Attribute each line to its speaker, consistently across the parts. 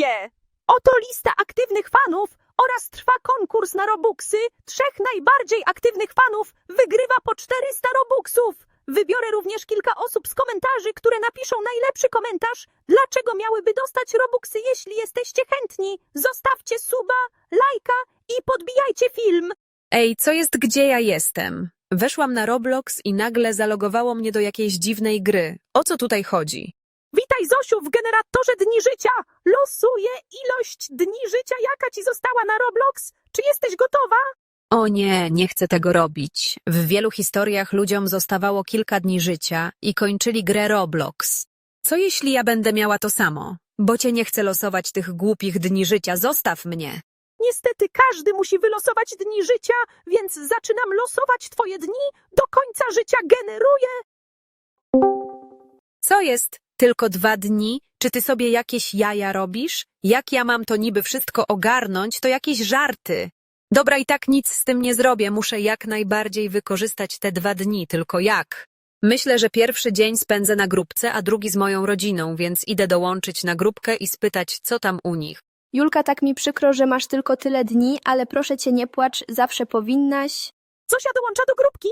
Speaker 1: wie. Oto lista aktywnych fanów oraz trwa konkurs na Robuxy. 3 najbardziej aktywnych fanów wygrywa po 400 Robuxów. Wybiorę również kilka osób z komentarzy, które napiszą najlepszy komentarz, dlaczego miałyby dostać Robuxy. Jeśli jesteście chętni, zostawcie suba, lajka i podbijajcie film.
Speaker 2: Ej, co jest, gdzie ja jestem? Weszłam na Roblox i nagle zalogowało mnie do jakiejś dziwnej gry. O co tutaj chodzi?
Speaker 1: Witaj, Zosiu, w generatorze dni życia. Losuję ilość dni życia, jaka ci została na Roblox. Czy jesteś gotowa?
Speaker 2: O nie, nie chcę tego robić. W wielu historiach ludziom zostawało kilka dni życia i kończyli grę Roblox. Co jeśli ja będę miała to samo? Bo cię nie chcę losować tych głupich dni życia, zostaw mnie.
Speaker 1: Niestety każdy musi wylosować dni życia, więc zaczynam losować twoje dni. Do końca życia generuję.
Speaker 2: Co jest? Tylko 2 dni? Czy ty sobie jakieś jaja robisz? Jak ja mam to niby wszystko ogarnąć, to jakieś żarty. Dobra, i tak nic z tym nie zrobię, muszę jak najbardziej wykorzystać te 2 dni, tylko jak? Myślę, że pierwszy dzień spędzę na grupce, a drugi z moją rodziną, więc idę dołączyć na grupkę i spytać, co tam u nich.
Speaker 3: Julka, tak mi przykro, że masz tylko tyle dni, ale proszę cię, nie płacz, zawsze powinnaś.
Speaker 1: Zosia dołącza do grupki.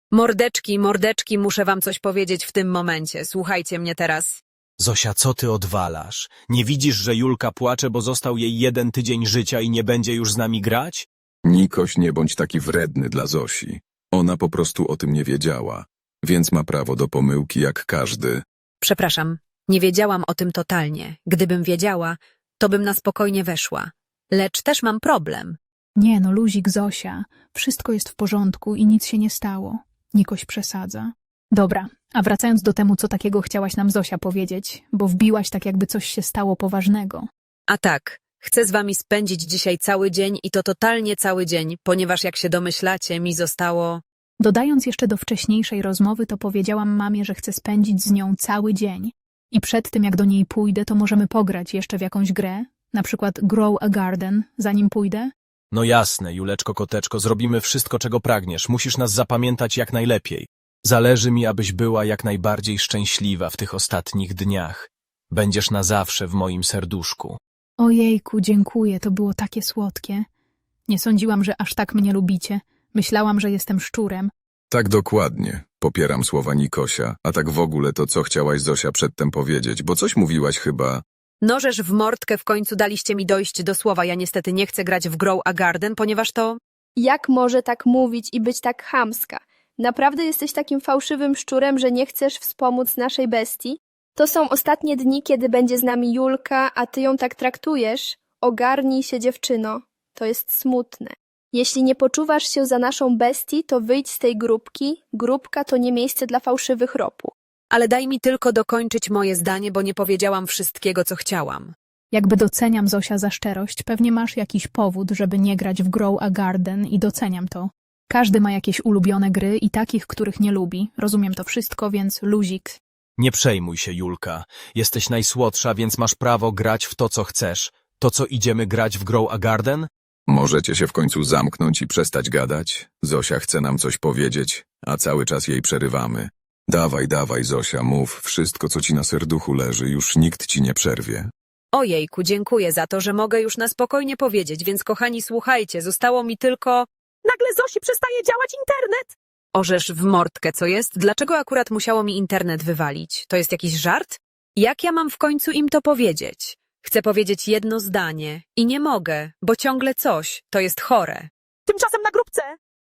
Speaker 2: Mordeczki, muszę wam coś powiedzieć w tym momencie, słuchajcie mnie teraz.
Speaker 4: Zosia, co ty odwalasz? Nie widzisz, że Julka płacze, bo został jej 1 tydzień życia i nie będzie już z nami grać?
Speaker 5: Nikoś, nie bądź taki wredny dla Zosi. Ona po prostu o tym nie wiedziała, więc ma prawo do pomyłki jak każdy.
Speaker 2: Przepraszam, nie wiedziałam o tym totalnie. Gdybym wiedziała, to bym na spokojnie weszła. Lecz też mam problem.
Speaker 6: Nie no, luzik, Zosia. Wszystko jest w porządku i nic się nie stało. Nikoś przesadza. Dobra, a wracając do temu, co takiego chciałaś nam Zosia powiedzieć, bo wbiłaś tak, jakby coś się stało poważnego.
Speaker 2: A tak, chcę z wami spędzić dzisiaj cały dzień i to totalnie cały dzień, ponieważ jak się domyślacie, mi zostało...
Speaker 6: Dodając jeszcze do wcześniejszej rozmowy, to powiedziałam mamie, że chcę spędzić z nią cały dzień. I przed tym, jak do niej pójdę, to możemy pograć jeszcze w jakąś grę, na przykład Grow a Garden, zanim pójdę.
Speaker 4: No jasne, Juleczko Koteczko, zrobimy wszystko, czego pragniesz. Musisz nas zapamiętać jak najlepiej. Zależy mi, abyś była jak najbardziej szczęśliwa w tych ostatnich dniach. Będziesz na zawsze w moim serduszku.
Speaker 6: Ojejku, dziękuję, to było takie słodkie. Nie sądziłam, że aż tak mnie lubicie. Myślałam, że jestem szczurem.
Speaker 5: Tak dokładnie. Popieram słowa Nikosia, a tak w ogóle to co chciałaś Zosia przedtem powiedzieć, bo coś mówiłaś chyba...
Speaker 2: Nożesz w mordkę, w końcu daliście mi dojść do słowa. Ja niestety nie chcę grać w Grow a Garden, ponieważ to...
Speaker 3: Jak może tak mówić i być tak chamska? Naprawdę jesteś takim fałszywym szczurem, że nie chcesz wspomóc naszej bestii? To są ostatnie dni, kiedy będzie z nami Julka, a ty ją tak traktujesz? Ogarnij się, dziewczyno. To jest smutne. Jeśli nie poczuwasz się za naszą bestię, to wyjdź z tej grupki. Grupka to nie miejsce dla fałszywych ropu.
Speaker 2: Ale daj mi tylko dokończyć moje zdanie, bo nie powiedziałam wszystkiego, co chciałam.
Speaker 6: Jakby doceniam, Zosia, za szczerość, pewnie masz jakiś powód, żeby nie grać w Grow a Garden i doceniam to. Każdy ma jakieś ulubione gry i takich, których nie lubi. Rozumiem to wszystko, więc luzik.
Speaker 4: Nie przejmuj się, Julka. Jesteś najsłodsza, więc masz prawo grać w to, co chcesz. To, co idziemy grać w Grow a Garden?
Speaker 5: Możecie się w końcu zamknąć i przestać gadać? Zosia chce nam coś powiedzieć, a cały czas jej przerywamy. Dawaj, Zosia, mów wszystko, co ci na serduchu leży, już nikt ci nie przerwie.
Speaker 2: Ojejku, dziękuję za to, że mogę już na spokojnie powiedzieć, więc kochani, słuchajcie, zostało mi tylko...
Speaker 1: Nagle Zosi przestaje działać internet.
Speaker 2: Orzesz w mordkę, co jest? Dlaczego akurat musiało mi internet wywalić? To jest jakiś żart? Jak ja mam w końcu im to powiedzieć? Chcę powiedzieć jedno zdanie i nie mogę, bo ciągle coś. To jest chore.
Speaker 1: Tymczasem na grupce.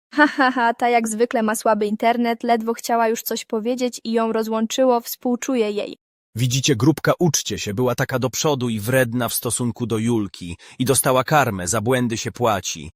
Speaker 3: Ta jak zwykle ma słaby internet, ledwo chciała już coś powiedzieć i ją rozłączyło, współczuję jej.
Speaker 4: Widzicie, grupka, uczcie się, była taka do przodu i wredna w stosunku do Julki i dostała karmę, za błędy się płaci.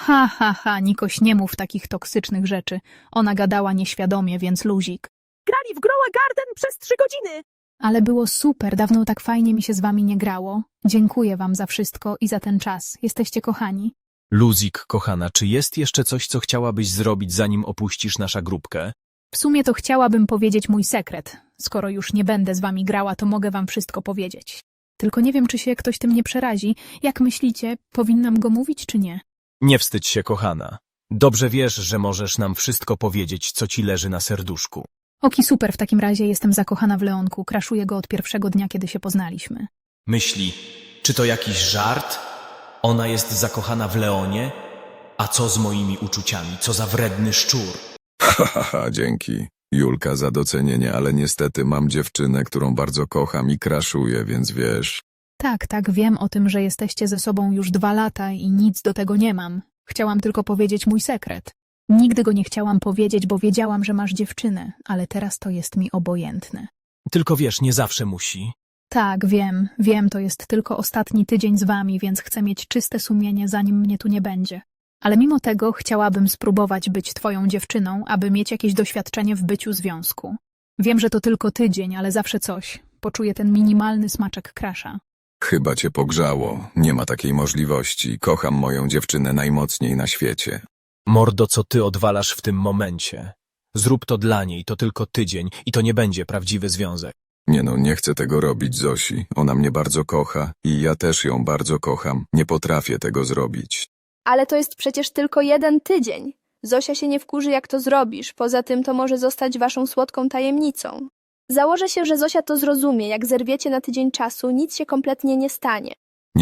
Speaker 6: Nikoś, nie mów takich toksycznych rzeczy. Ona gadała nieświadomie, więc luzik.
Speaker 1: Grali w Grow a Garden przez 3 godziny.
Speaker 6: Ale było super, dawno tak fajnie mi się z wami nie grało. Dziękuję wam za wszystko i za ten czas. Jesteście kochani.
Speaker 4: Luzik, kochana, czy jest jeszcze coś, co chciałabyś zrobić, zanim opuścisz nasza grupkę?
Speaker 6: W sumie to chciałabym powiedzieć mój sekret. Skoro już nie będę z wami grała, to mogę wam wszystko powiedzieć. Tylko nie wiem, czy się ktoś tym nie przerazi. Jak myślicie, powinnam go mówić, czy nie?
Speaker 4: Nie wstydź się, kochana. Dobrze wiesz, że możesz nam wszystko powiedzieć, co ci leży na serduszku.
Speaker 6: Oki, super, w takim razie jestem zakochana w Leonku. Kraszuję go od pierwszego dnia, kiedy się poznaliśmy.
Speaker 4: Myśli, Czy to jakiś żart? Ona jest zakochana w Leonie? A co z moimi uczuciami? Co za wredny szczur?
Speaker 5: Haha, dzięki. Julka, za docenienie, ale niestety mam dziewczynę, którą bardzo kocham i kraszuję, więc wiesz.
Speaker 6: Tak, wiem o tym, że jesteście ze sobą już 2 lata i nic do tego nie mam. Chciałam tylko powiedzieć mój sekret. Nigdy go nie chciałam powiedzieć, bo wiedziałam, że masz dziewczynę, ale teraz to jest mi obojętne.
Speaker 4: Tylko wiesz, nie zawsze musi.
Speaker 6: Tak, wiem, to jest tylko ostatni tydzień z wami, więc chcę mieć czyste sumienie, zanim mnie tu nie będzie. Ale mimo tego chciałabym spróbować być twoją dziewczyną, aby mieć jakieś doświadczenie w byciu związku. Wiem, że to tylko tydzień, ale zawsze coś. Poczuję ten minimalny smaczek crusha.
Speaker 5: Chyba cię pogrzało. Nie ma takiej możliwości. Kocham moją dziewczynę najmocniej na świecie.
Speaker 4: Mordo, co ty odwalasz w tym momencie? Zrób to dla niej, to tylko tydzień i to nie będzie prawdziwy związek.
Speaker 5: Nie no, nie chcę tego robić, Zosi. Ona mnie bardzo kocha i ja też ją bardzo kocham. Nie potrafię tego zrobić.
Speaker 3: Ale to jest przecież tylko 1 tydzień. Zosia się nie wkurzy, jak to zrobisz. Poza tym to może zostać waszą słodką tajemnicą. Założę się, że Zosia to zrozumie. Jak zerwiecie na tydzień czasu, nic się kompletnie nie stanie.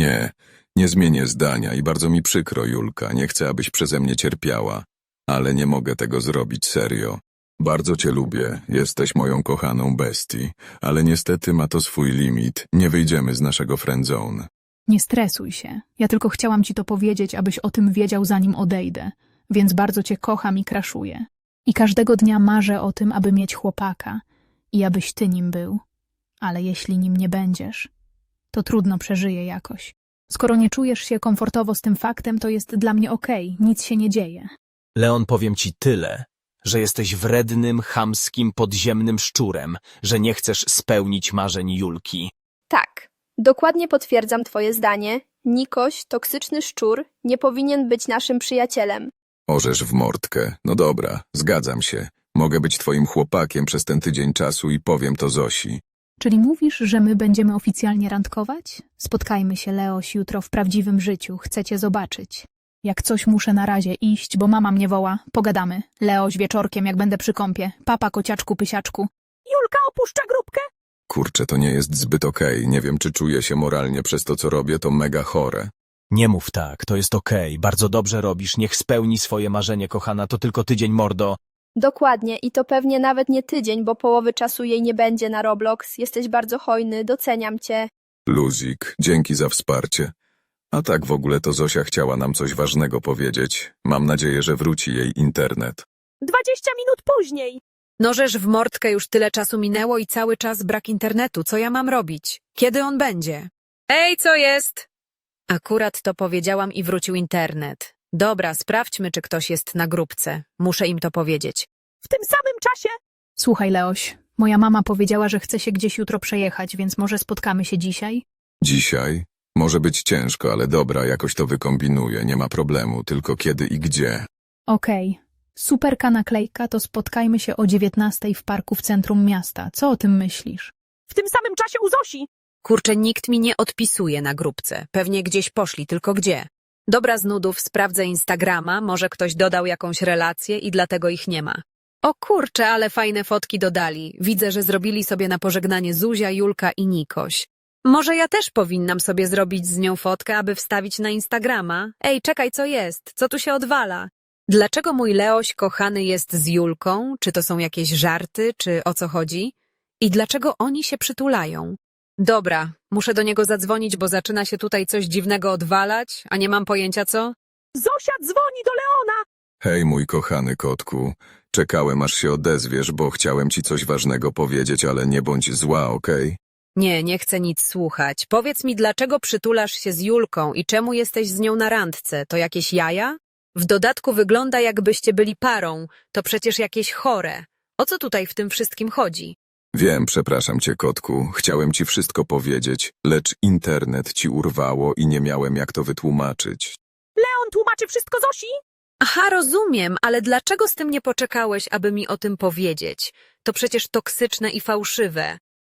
Speaker 5: Nie zmienię zdania i bardzo mi przykro, Julka. Nie chcę, abyś przeze mnie cierpiała. Ale nie mogę tego zrobić serio. Bardzo cię lubię, jesteś moją kochaną bestii, ale niestety ma to swój limit. Nie wyjdziemy z naszego friendzone.
Speaker 6: Nie stresuj się. Ja tylko chciałam ci to powiedzieć, abyś o tym wiedział, zanim odejdę. Więc bardzo cię kocham i crushuję. I każdego dnia marzę o tym, aby mieć chłopaka i abyś ty nim był. Ale jeśli nim nie będziesz, to trudno przeżyję jakoś. Skoro nie czujesz się komfortowo z tym faktem, to jest dla mnie okej, nic się nie dzieje.
Speaker 4: Leon, powiem ci tyle, że jesteś wrednym, chamskim, podziemnym szczurem, że nie chcesz spełnić marzeń Julki.
Speaker 3: Tak, dokładnie potwierdzam twoje zdanie. Nikoś, toksyczny szczur, nie powinien być naszym przyjacielem.
Speaker 5: Orzesz w mordkę. No dobra, zgadzam się. Mogę być twoim chłopakiem przez ten tydzień czasu i powiem to Zosi.
Speaker 6: Czyli mówisz, że my będziemy oficjalnie randkować? Spotkajmy się, Leoś, jutro w prawdziwym życiu. Chcę cię zobaczyć. Jak coś muszę na razie iść, bo mama mnie woła. Pogadamy. Leoś, wieczorkiem, jak będę przy kąpie. Papa, kociaczku, pysiaczku.
Speaker 1: Julka opuszcza grupkę.
Speaker 5: Kurczę, to nie jest zbyt okej. Nie wiem, czy czuję się moralnie przez to, co robię. To mega chore.
Speaker 4: Nie mów tak, to jest okej, bardzo dobrze robisz, niech spełni swoje marzenie, kochana, to tylko tydzień, mordo.
Speaker 3: Dokładnie i to pewnie nawet nie tydzień, bo połowy czasu jej nie będzie na Roblox. Jesteś bardzo hojny, doceniam cię.
Speaker 5: Luzik, dzięki za wsparcie. A tak w ogóle to Zosia chciała nam coś ważnego powiedzieć. Mam nadzieję, że wróci jej internet.
Speaker 1: 20 minut później.
Speaker 2: Nożesz w mordkę, już tyle czasu minęło i cały czas brak internetu. Co ja mam robić? Kiedy on będzie? Ej, co jest? Akurat to powiedziałam i wrócił internet. Dobra, sprawdźmy, czy ktoś jest na grupce. Muszę im to powiedzieć.
Speaker 1: W tym samym czasie.
Speaker 6: Słuchaj, Leoś, moja mama powiedziała, że chce się gdzieś jutro przejechać, więc może spotkamy się dzisiaj?
Speaker 5: Dzisiaj? Może być ciężko, ale dobra, jakoś to wykombinuję, nie ma problemu, tylko kiedy i gdzie.
Speaker 6: Okej. Superka naklejka, to spotkajmy się o 19:00 w parku w centrum miasta. Co o tym myślisz?
Speaker 1: W tym samym czasie u Zosi.
Speaker 2: Kurczę, nikt mi nie odpisuje na grupce. Pewnie gdzieś poszli, tylko gdzie? Dobra, z nudów sprawdzę Instagrama, może ktoś dodał jakąś relację i dlatego ich nie ma. O kurczę, ale fajne fotki dodali. Widzę, że zrobili sobie na pożegnanie Zuzia, Julka i Nikoś. Może ja też powinnam sobie zrobić z nią fotkę, aby wstawić na Instagrama? Ej, czekaj, co jest? Co tu się odwala? Dlaczego mój Leoś kochany jest z Julką? Czy to są jakieś żarty, czy o co chodzi? I dlaczego oni się przytulają? Dobra, muszę do niego zadzwonić, bo zaczyna się tutaj coś dziwnego odwalać, a nie mam pojęcia co.
Speaker 1: Zosia dzwoni do Leona.
Speaker 5: Hej, mój kochany kotku. Czekałem, aż się odezwiesz, bo chciałem ci coś ważnego powiedzieć, ale nie bądź zła, okej?
Speaker 2: Nie, nie chcę nic słuchać. Powiedz mi, dlaczego przytulasz się z Julką i czemu jesteś z nią na randce? To jakieś jaja? W dodatku wygląda, jakbyście byli parą. To przecież jakieś chore. O co tutaj w tym wszystkim chodzi?
Speaker 5: Wiem, przepraszam cię, kotku. Chciałem ci wszystko powiedzieć, lecz internet ci urwało i nie miałem jak to wytłumaczyć.
Speaker 1: Leon tłumaczy wszystko Zosi.
Speaker 2: Aha, rozumiem, ale dlaczego z tym nie poczekałeś, aby mi o tym powiedzieć? To przecież toksyczne i fałszywe.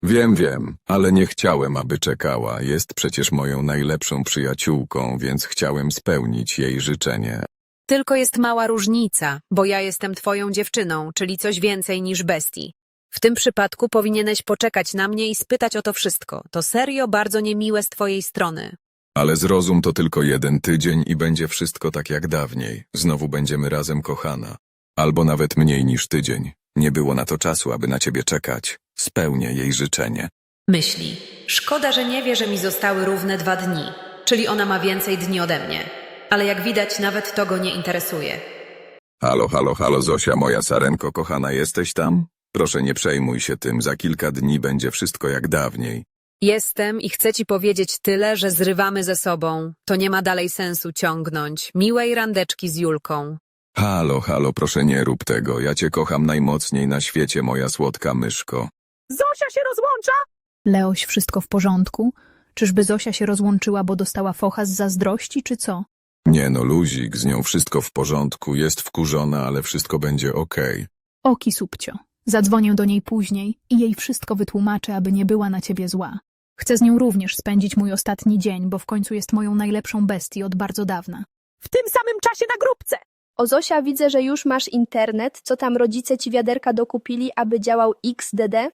Speaker 5: Wiem, ale nie chciałem, aby czekała. Jest przecież moją najlepszą przyjaciółką, więc chciałem spełnić jej życzenie.
Speaker 2: Tylko jest mała różnica, bo ja jestem twoją dziewczyną, czyli coś więcej niż bestii. W tym przypadku powinieneś poczekać na mnie i spytać o to wszystko. To serio bardzo niemiłe z twojej strony.
Speaker 5: Ale zrozum, to tylko 1 tydzień i będzie wszystko tak jak dawniej. Znowu będziemy razem, kochana. Albo nawet mniej niż tydzień. Nie było na to czasu, aby na ciebie czekać. Spełnię jej życzenie.
Speaker 2: Myśli. Szkoda, że nie wie, że mi zostały równe 2 dni. Czyli ona ma więcej dni ode mnie. Ale jak widać, nawet to go nie interesuje.
Speaker 5: Halo, halo, halo, Zosia, moja sarenko kochana, jesteś tam? Proszę, nie przejmuj się tym, za kilka dni będzie wszystko jak dawniej.
Speaker 2: Jestem i chcę ci powiedzieć tyle, że zrywamy ze sobą. To nie ma dalej sensu ciągnąć. Miłej randeczki z Julką.
Speaker 5: Halo, halo, proszę nie rób tego, ja cię kocham najmocniej na świecie, moja słodka myszko.
Speaker 1: Zosia się rozłącza?
Speaker 6: Leoś, wszystko w porządku? Czyżby Zosia się rozłączyła, bo dostała focha z zazdrości, czy co?
Speaker 5: Nie no, luzik, z nią wszystko w porządku, jest wkurzona, ale wszystko będzie okej.
Speaker 6: Oki, subcio. Zadzwonię do niej później i jej wszystko wytłumaczę, aby nie była na ciebie zła. Chcę z nią również spędzić mój ostatni dzień, bo w końcu jest moją najlepszą bestię od bardzo dawna.
Speaker 1: W tym samym czasie na grupce.
Speaker 3: O Zosia, widzę, że już masz internet. Co tam rodzice ci wiaderka dokupili, aby działał XDD?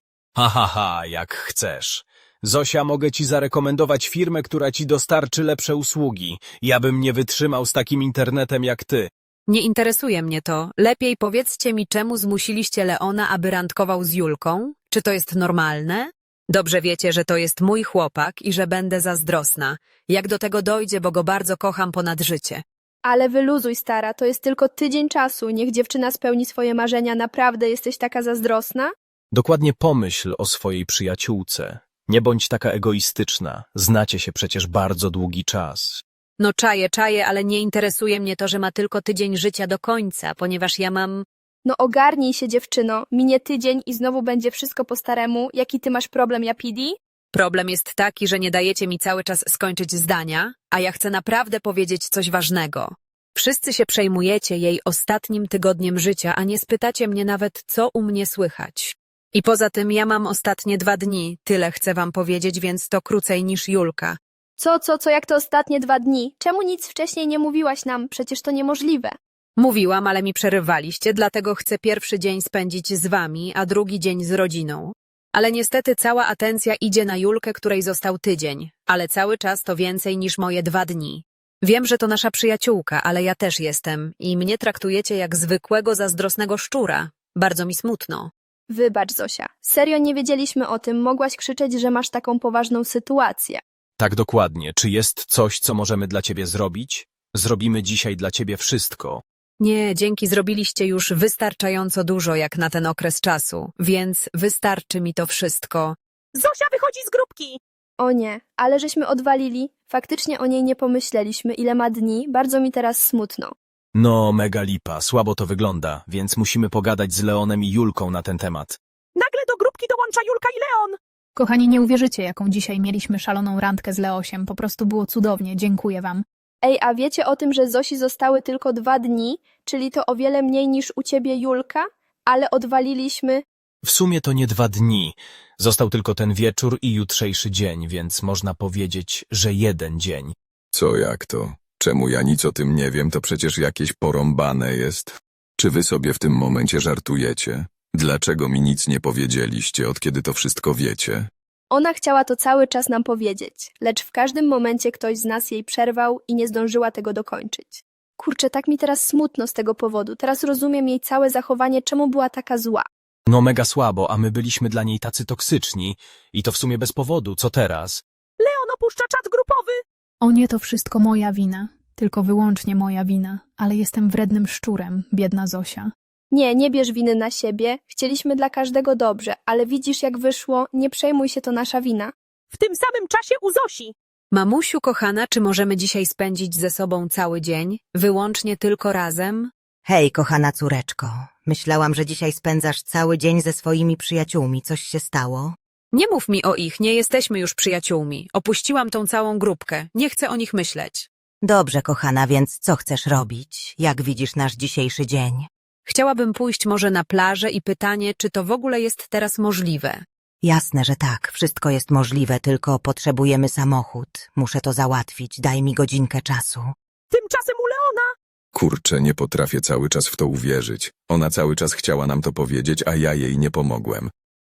Speaker 4: Ha, jak chcesz. Zosia, mogę ci zarekomendować firmę, która ci dostarczy lepsze usługi. Ja bym nie wytrzymał z takim internetem jak ty.
Speaker 2: Nie interesuje mnie to. Lepiej powiedzcie mi, czemu zmusiliście Leona, aby randkował z Julką? Czy to jest normalne? Dobrze wiecie, że to jest mój chłopak i że będę zazdrosna. Jak do tego dojdzie, bo go bardzo kocham ponad życie.
Speaker 3: Ale wyluzuj, stara, to jest tylko tydzień czasu. Niech dziewczyna spełni swoje marzenia. Naprawdę jesteś taka zazdrosna?
Speaker 4: Dokładnie pomyśl o swojej przyjaciółce. Nie bądź taka egoistyczna. Znacie się przecież bardzo długi czas.
Speaker 2: No czaję, ale nie interesuje mnie to, że ma tylko tydzień życia do końca, ponieważ ja mam...
Speaker 3: No ogarnij się, dziewczyno. Minie tydzień i znowu będzie wszystko po staremu. Jaki ty masz problem, Japidi?
Speaker 2: Problem jest taki, że nie dajecie mi cały czas skończyć zdania, a ja chcę naprawdę powiedzieć coś ważnego. Wszyscy się przejmujecie jej ostatnim tygodniem życia, a nie spytacie mnie nawet, co u mnie słychać. I poza tym ja mam ostatnie 2 dni, tyle chcę wam powiedzieć, więc to krócej niż Julka.
Speaker 3: Co, jak to ostatnie 2 dni? Czemu nic wcześniej nie mówiłaś nam? Przecież to niemożliwe.
Speaker 2: Mówiłam, ale mi przerywaliście, dlatego chcę pierwszy dzień spędzić z wami, a drugi dzień z rodziną. Ale niestety cała atencja idzie na Julkę, której został tydzień, ale cały czas to więcej niż moje 2 dni. Wiem, że to nasza przyjaciółka, ale ja też jestem i mnie traktujecie jak zwykłego zazdrosnego szczura. Bardzo mi smutno.
Speaker 3: Wybacz, Zosia. Serio nie wiedzieliśmy o tym. Mogłaś krzyczeć, że masz taką poważną sytuację.
Speaker 4: Tak dokładnie. Czy jest coś, co możemy dla ciebie zrobić? Zrobimy dzisiaj dla ciebie wszystko.
Speaker 2: Nie, dzięki, zrobiliście już wystarczająco dużo jak na ten okres czasu, więc wystarczy mi to wszystko.
Speaker 1: Zosia wychodzi z grupki.
Speaker 3: O nie, ale żeśmy odwalili. Faktycznie o niej nie pomyśleliśmy, ile ma dni. Bardzo mi teraz smutno.
Speaker 4: No, mega lipa, słabo to wygląda, więc musimy pogadać z Leonem i Julką na ten temat.
Speaker 1: Nagle do grupki dołącza Julka i Leon.
Speaker 6: Kochani, nie uwierzycie, jaką dzisiaj mieliśmy szaloną randkę z Leosiem. Po prostu było cudownie, dziękuję wam.
Speaker 3: Ej, a wiecie o tym, że Zosi zostały tylko 2 dni? Czyli to o wiele mniej niż u ciebie, Julka? Ale odwaliliśmy...
Speaker 4: W sumie to nie 2 dni. Został tylko ten wieczór i jutrzejszy dzień, więc można powiedzieć, że 1 dzień.
Speaker 5: Co jak to? Czemu ja nic o tym nie wiem, to przecież jakieś porąbane jest. Czy wy sobie w tym momencie żartujecie? Dlaczego mi nic nie powiedzieliście, od kiedy to wszystko wiecie?
Speaker 3: Ona chciała to cały czas nam powiedzieć, lecz w każdym momencie ktoś z nas jej przerwał i nie zdążyła tego dokończyć. Kurczę, tak mi teraz smutno z tego powodu. Teraz rozumiem jej całe zachowanie, czemu była taka zła.
Speaker 4: No mega słabo, a my byliśmy dla niej tacy toksyczni. I to w sumie bez powodu, co teraz?
Speaker 1: Leon opuszcza czat grupowy.
Speaker 6: O nie, to wszystko moja wina. Tylko wyłącznie moja wina. Ale jestem wrednym szczurem, biedna Zosia.
Speaker 3: Nie bierz winy na siebie. Chcieliśmy dla każdego dobrze, ale widzisz jak wyszło, nie przejmuj się, to nasza wina.
Speaker 1: W tym samym czasie u Zosi.
Speaker 2: Mamusiu kochana, czy możemy dzisiaj spędzić ze sobą cały dzień? Wyłącznie tylko razem?
Speaker 7: Hej, kochana córeczko. Myślałam, że dzisiaj spędzasz cały dzień ze swoimi przyjaciółmi. Coś się stało?
Speaker 2: Nie mów mi o ich, nie jesteśmy już przyjaciółmi. Opuściłam tą całą grupkę, nie chcę o nich myśleć.
Speaker 7: Dobrze, kochana, więc co chcesz robić? Jak widzisz nasz dzisiejszy dzień?
Speaker 2: Chciałabym pójść może na plażę i pytanie, czy to w ogóle jest teraz możliwe.
Speaker 7: Jasne, że tak. Wszystko jest możliwe, tylko potrzebujemy samochód. Muszę to załatwić. Daj mi godzinkę czasu.
Speaker 1: Tymczasem u Leona.
Speaker 5: Kurczę, nie potrafię cały czas w to uwierzyć. Ona cały czas chciała nam to powiedzieć, a ja jej nie pomogłem.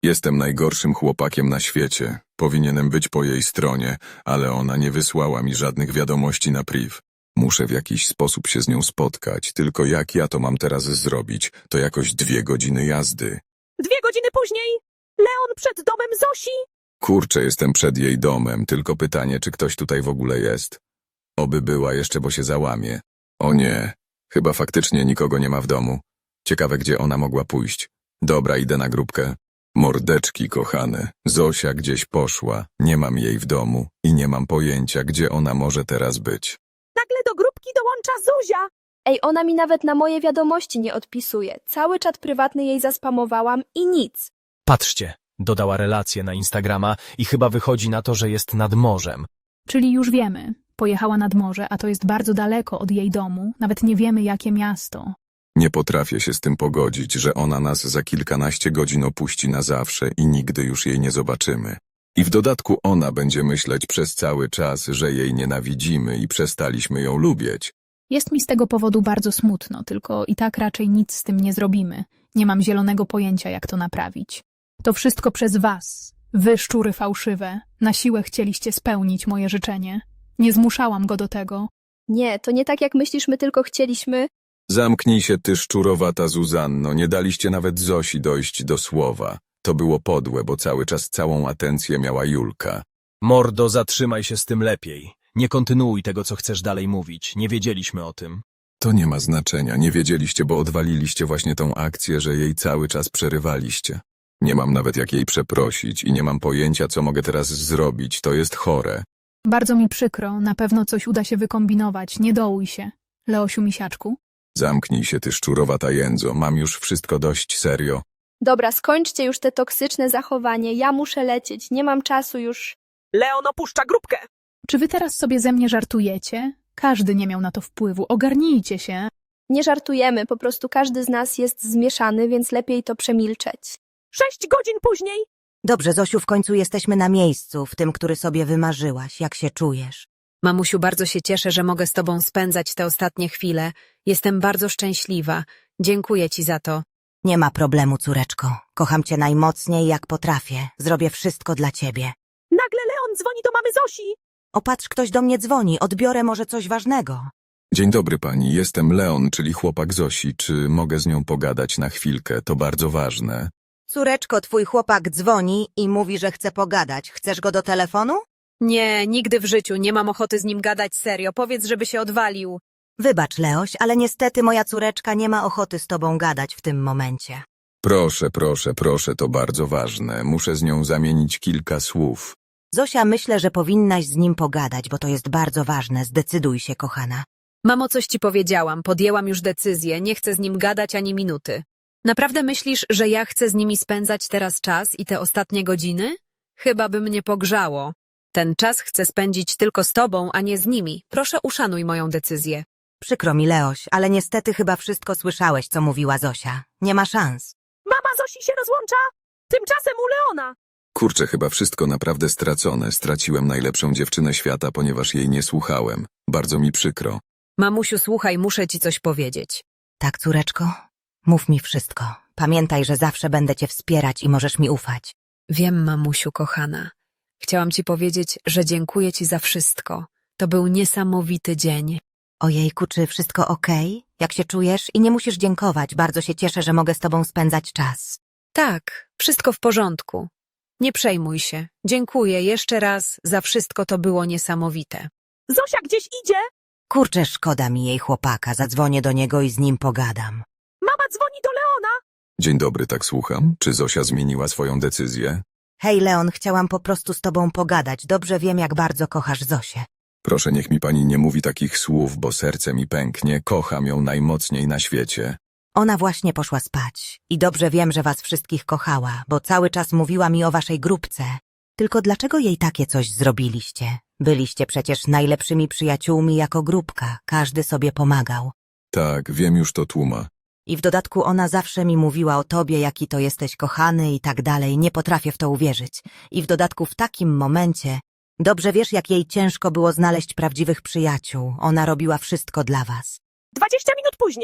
Speaker 5: Jestem najgorszym chłopakiem na świecie. Powinienem być po jej stronie, ale ona nie wysłała mi żadnych wiadomości na priv. Muszę w jakiś sposób się z nią spotkać, tylko jak ja to mam teraz zrobić? To jakoś 2 godziny jazdy.
Speaker 1: 2 godziny później Leon przed domem Zosi.
Speaker 5: Kurczę, jestem przed jej domem, tylko pytanie, czy ktoś tutaj w ogóle jest? Oby była jeszcze, bo się załamie. O nie, chyba faktycznie nikogo nie ma w domu. Ciekawe, gdzie ona mogła pójść. Dobra, idę na grupkę. Mordeczki kochane, Zosia gdzieś poszła, nie mam jej w domu i nie mam pojęcia, gdzie ona może teraz być.
Speaker 1: Nagle do grupki dołącza Zuzia.
Speaker 3: Ej, ona mi nawet na moje wiadomości nie odpisuje. Cały czat prywatny jej zaspamowałam i nic.
Speaker 4: Patrzcie, dodała relację na Instagrama i chyba wychodzi na to, że jest nad morzem.
Speaker 6: Czyli już wiemy. Pojechała nad morze, a to jest bardzo daleko od jej domu. Nawet nie wiemy, jakie miasto.
Speaker 5: Nie potrafię się z tym pogodzić, że ona nas za kilkanaście godzin opuści na zawsze i nigdy już jej nie zobaczymy. I w dodatku ona będzie myśleć przez cały czas, że jej nienawidzimy i przestaliśmy ją lubić.
Speaker 6: Jest mi z tego powodu bardzo smutno, tylko i tak raczej nic z tym nie zrobimy. Nie mam zielonego pojęcia, jak to naprawić. To wszystko przez was. Wy, szczury fałszywe, na siłę chcieliście spełnić moje życzenie. Nie zmuszałam go do tego.
Speaker 3: Nie, to nie tak jak myślisz, my tylko chcieliśmy.
Speaker 5: Zamknij się ty szczurowata Zuzanno, nie daliście nawet Zosi dojść do słowa. To było podłe, bo cały czas całą atencję miała Julka.
Speaker 4: Mordo, zatrzymaj się z tym lepiej. Nie kontynuuj tego, co chcesz dalej mówić. Nie wiedzieliśmy o tym.
Speaker 5: To nie ma znaczenia, nie wiedzieliście, bo odwaliliście właśnie tą akcję, że jej cały czas przerywaliście. Nie mam nawet jak jej przeprosić i nie mam pojęcia, co mogę teraz zrobić, to jest chore.
Speaker 6: Bardzo mi przykro, na pewno coś uda się wykombinować. Nie dołuj się. Leosiu misiaczku?
Speaker 5: Zamknij się ty szczurowata jędzo, mam już wszystko dość serio.
Speaker 3: Dobra, skończcie już te toksyczne zachowanie. Ja muszę lecieć, nie mam czasu już.
Speaker 1: Leon opuszcza grupkę.
Speaker 6: Czy wy teraz sobie ze mnie żartujecie? Każdy nie miał na to wpływu. Ogarnijcie się.
Speaker 3: Nie żartujemy, po prostu każdy z nas jest zmieszany, więc lepiej to przemilczeć.
Speaker 1: 6 godzin później
Speaker 7: Dobrze, Zosiu, w końcu jesteśmy na miejscu, w tym, który sobie wymarzyłaś. Jak się czujesz?
Speaker 2: Mamusiu, bardzo się cieszę, że mogę z tobą spędzać te ostatnie chwile. Jestem bardzo szczęśliwa. Dziękuję ci za to.
Speaker 7: Nie ma problemu, córeczko. Kocham cię najmocniej, jak potrafię. Zrobię wszystko dla ciebie.
Speaker 1: nagle Leon dzwoni do mamy Zosi.
Speaker 7: Opatrz, ktoś do mnie dzwoni. Odbiorę może coś ważnego.
Speaker 5: Dzień dobry pani, jestem Leon, czyli chłopak Zosi. Czy mogę z nią pogadać na chwilkę? To bardzo ważne.
Speaker 7: Córeczko, twój chłopak dzwoni i mówi, że chce pogadać. Chcesz go do telefonu?
Speaker 2: Nie, nigdy w życiu. Nie mam ochoty z nim gadać serio. Powiedz, żeby się odwalił.
Speaker 7: Wybacz, Leoś, ale niestety moja córeczka nie ma ochoty z tobą gadać w tym momencie.
Speaker 5: Proszę, proszę, proszę, to bardzo ważne. Muszę z nią zamienić kilka słów.
Speaker 7: Zosia, myślę, że powinnaś z nim pogadać, bo to jest bardzo ważne. Zdecyduj się, kochana.
Speaker 2: Mamo, coś ci powiedziałam. Podjęłam już decyzję. Nie chcę z nim gadać ani minuty. Naprawdę myślisz, że ja chcę z nimi spędzać teraz czas i te ostatnie godziny? Chyba by mnie pogrzało. Ten czas chcę spędzić tylko z tobą, a nie z nimi. Proszę, uszanuj moją decyzję.
Speaker 7: Przykro mi, Leoś, ale niestety chyba wszystko słyszałeś, co mówiła Zosia. Nie ma szans.
Speaker 1: Mama Zosi się rozłącza. Tymczasem u Leona.
Speaker 5: Kurczę, chyba wszystko naprawdę stracone. Straciłem najlepszą dziewczynę świata, ponieważ jej nie słuchałem. Bardzo mi przykro.
Speaker 2: Mamusiu, słuchaj, muszę ci coś powiedzieć.
Speaker 7: Tak, córeczko? Mów mi wszystko. Pamiętaj, że zawsze będę cię wspierać i możesz mi ufać.
Speaker 2: Wiem, mamusiu kochana. Chciałam ci powiedzieć, że dziękuję ci za wszystko. To był niesamowity dzień.
Speaker 7: Ojejku, czy wszystko okej? Jak się czujesz? I nie musisz dziękować. Bardzo się cieszę, że mogę z tobą spędzać czas.
Speaker 2: Tak, wszystko w porządku. Nie przejmuj się. Dziękuję jeszcze raz za wszystko, to było niesamowite.
Speaker 1: Zosia gdzieś idzie.
Speaker 7: Kurczę, szkoda mi jej chłopaka. Zadzwonię do niego i z nim pogadam.
Speaker 1: Mama dzwoni do Leona.
Speaker 5: Dzień dobry, tak słucham. Czy Zosia zmieniła swoją decyzję?
Speaker 7: Hej, Leon, chciałam po prostu z tobą pogadać. Dobrze wiem, jak bardzo kochasz Zosię.
Speaker 5: Proszę, niech mi pani nie mówi takich słów, bo serce mi pęknie. Kocham ją najmocniej na świecie.
Speaker 7: Ona właśnie poszła spać. I dobrze wiem, że was wszystkich kochała, bo cały czas mówiła mi o waszej grupce. Tylko dlaczego jej takie coś zrobiliście? Byliście przecież najlepszymi przyjaciółmi jako grupka. Każdy sobie pomagał.
Speaker 5: Tak, wiem już to tłuma.
Speaker 7: I w dodatku ona zawsze mi mówiła o tobie, jaki to jesteś kochany i tak dalej. Nie potrafię w to uwierzyć. I w dodatku w takim momencie... Dobrze wiesz, jak jej ciężko było znaleźć prawdziwych przyjaciół. Ona robiła wszystko dla was.
Speaker 1: 20 minut później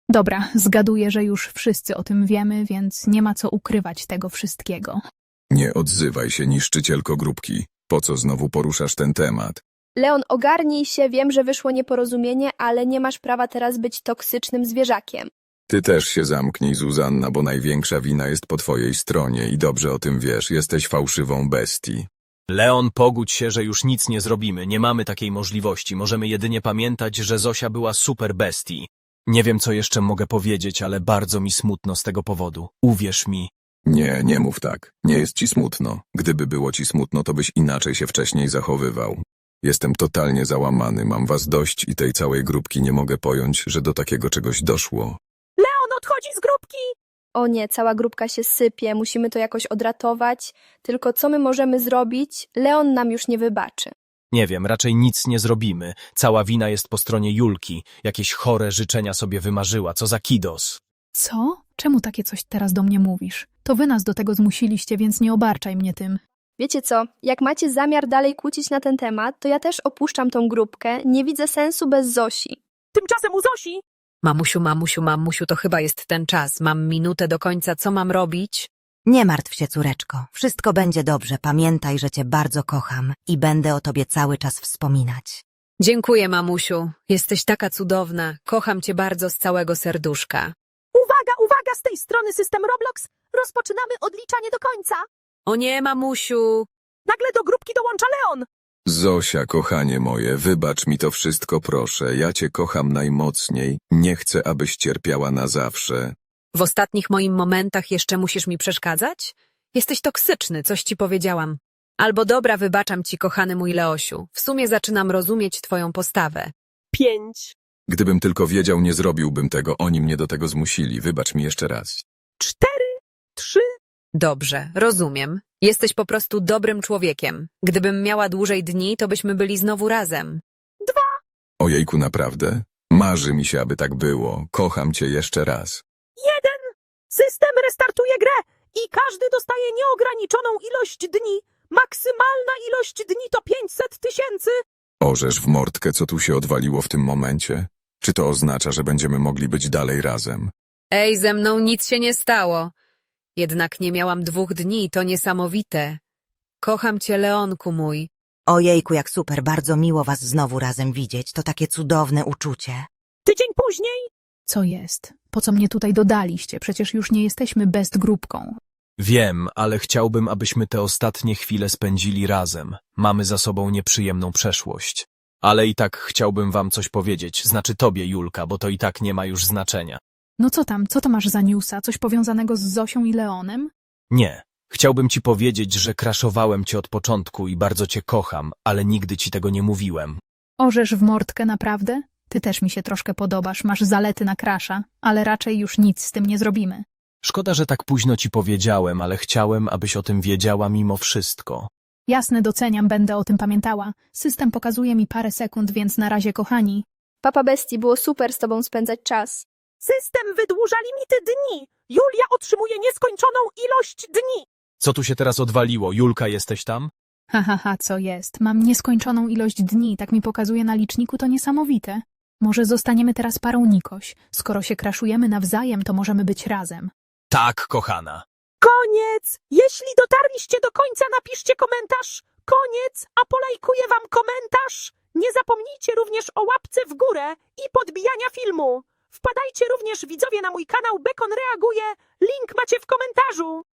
Speaker 6: Dobra, zgaduję, że już wszyscy o tym wiemy, więc nie ma co ukrywać tego wszystkiego.
Speaker 5: Nie odzywaj się, niszczycielko grupki. Po co znowu poruszasz ten temat?
Speaker 3: Leon, ogarnij się, wiem, że wyszło nieporozumienie, ale nie masz prawa teraz być toksycznym zwierzakiem.
Speaker 5: Ty też się zamknij, Zuzanna, bo największa wina jest po twojej stronie i dobrze o tym wiesz, jesteś fałszywą bestii.
Speaker 4: Leon, pogódź się, że już nic nie zrobimy, nie mamy takiej możliwości, możemy jedynie pamiętać, że Zosia była super bestii. Nie wiem, co jeszcze mogę powiedzieć, ale bardzo mi smutno z tego powodu. Uwierz mi.
Speaker 5: Nie, nie mów tak. Nie jest ci smutno. Gdyby było ci smutno, to byś inaczej się wcześniej zachowywał. Jestem totalnie załamany, mam was dość i tej całej grupki nie mogę pojąć, że do takiego czegoś doszło.
Speaker 1: Leon odchodzi z grupki!
Speaker 3: O nie, cała grupka się sypie, musimy to jakoś odratować. Tylko co my możemy zrobić? Leon nam już nie wybaczy.
Speaker 4: Nie wiem, raczej nic nie zrobimy. Cała wina jest po stronie Julki. Jakieś chore życzenia sobie wymarzyła, co za kidos.
Speaker 6: Co? Czemu takie coś teraz do mnie mówisz? To wy nas do tego zmusiliście, więc nie obarczaj mnie tym.
Speaker 3: Wiecie co, jak macie zamiar dalej kłócić na ten temat, to ja też opuszczam tą grupkę, nie widzę sensu bez Zosi.
Speaker 1: Tymczasem u Zosi
Speaker 2: Mamusiu, to chyba jest ten czas. Mam minutę do końca, co mam robić?
Speaker 7: Nie martw się, córeczko. Wszystko będzie dobrze. Pamiętaj, że cię bardzo kocham i będę o tobie cały czas wspominać.
Speaker 2: Dziękuję, mamusiu. Jesteś taka cudowna. Kocham cię bardzo z całego serduszka.
Speaker 1: Uwaga, z tej strony system Roblox. Rozpoczynamy odliczanie do końca.
Speaker 2: O nie, mamusiu.
Speaker 1: Nagle do grupki dołącza Leon.
Speaker 5: Zosia, kochanie moje, wybacz mi to wszystko, proszę. Ja cię kocham najmocniej. Nie chcę, abyś cierpiała na zawsze.
Speaker 2: W ostatnich moich momentach jeszcze musisz mi przeszkadzać? Jesteś toksyczny, coś ci powiedziałam. Albo dobra, wybaczam ci, kochany mój Leosiu. W sumie zaczynam rozumieć twoją postawę.
Speaker 1: 5,
Speaker 5: Gdybym tylko wiedział, nie zrobiłbym tego. Oni mnie do tego zmusili. Wybacz mi jeszcze raz.
Speaker 1: 4, 3.
Speaker 2: Dobrze, rozumiem. Jesteś po prostu dobrym człowiekiem. Gdybym miała dłużej dni, to byśmy byli znowu razem.
Speaker 5: Ojejku, naprawdę? Marzy mi się, aby tak było. Kocham cię jeszcze raz.
Speaker 1: 1. System restartuje grę i każdy dostaje nieograniczoną ilość dni. Maksymalna ilość dni to 500 000.
Speaker 5: Orzesz w mordkę, co tu się odwaliło w tym momencie? Czy to oznacza, że będziemy mogli być dalej razem?
Speaker 2: Ej, ze mną nic się nie stało. Jednak nie miałam 2 dni, to niesamowite. Kocham cię, Leonku mój.
Speaker 7: Ojejku, jak super, bardzo miło was znowu razem widzieć. To takie cudowne uczucie.
Speaker 1: Tydzień później.
Speaker 6: Co jest? Po co mnie tutaj dodaliście? Przecież już nie jesteśmy best grupką.
Speaker 4: Wiem, ale chciałbym, abyśmy te ostatnie chwile spędzili razem. Mamy za sobą nieprzyjemną przeszłość. Ale i tak chciałbym wam coś powiedzieć, znaczy tobie, Julka, bo to i tak nie ma już znaczenia.
Speaker 6: No co tam? Co to masz za newsa? Coś powiązanego z Zosią i Leonem?
Speaker 4: Nie. Chciałbym ci powiedzieć, że kraszowałem cię od początku i bardzo cię kocham, ale nigdy ci tego nie mówiłem.
Speaker 6: Orzesz w mordkę, naprawdę? Ty też mi się troszkę podobasz, masz zalety na krasza, ale raczej już nic z tym nie zrobimy.
Speaker 4: Szkoda, że tak późno ci powiedziałem, ale chciałem, abyś o tym wiedziała mimo wszystko.
Speaker 6: Jasne, doceniam, będę o tym pamiętała. System pokazuje mi parę sekund, więc na razie, kochani.
Speaker 3: Papa Bestii, było super z tobą spędzać czas.
Speaker 1: System wydłuża limity dni. Julia otrzymuje nieskończoną ilość dni.
Speaker 4: Co tu się teraz odwaliło? Julka, jesteś tam?
Speaker 6: Co jest? Mam nieskończoną ilość dni, tak mi pokazuje na liczniku, to niesamowite. Może zostaniemy teraz parą Nikoś. Skoro się kraszujemy nawzajem, to możemy być razem.
Speaker 4: Tak, kochana.
Speaker 1: Koniec. Jeśli dotarliście do końca, napiszcie komentarz. Koniec, a polajkuję wam komentarz. Nie zapomnijcie również o łapce w górę i podbijania filmu. Wpadajcie również, widzowie, na mój kanał Bekon Reaguje. Link macie w komentarzu.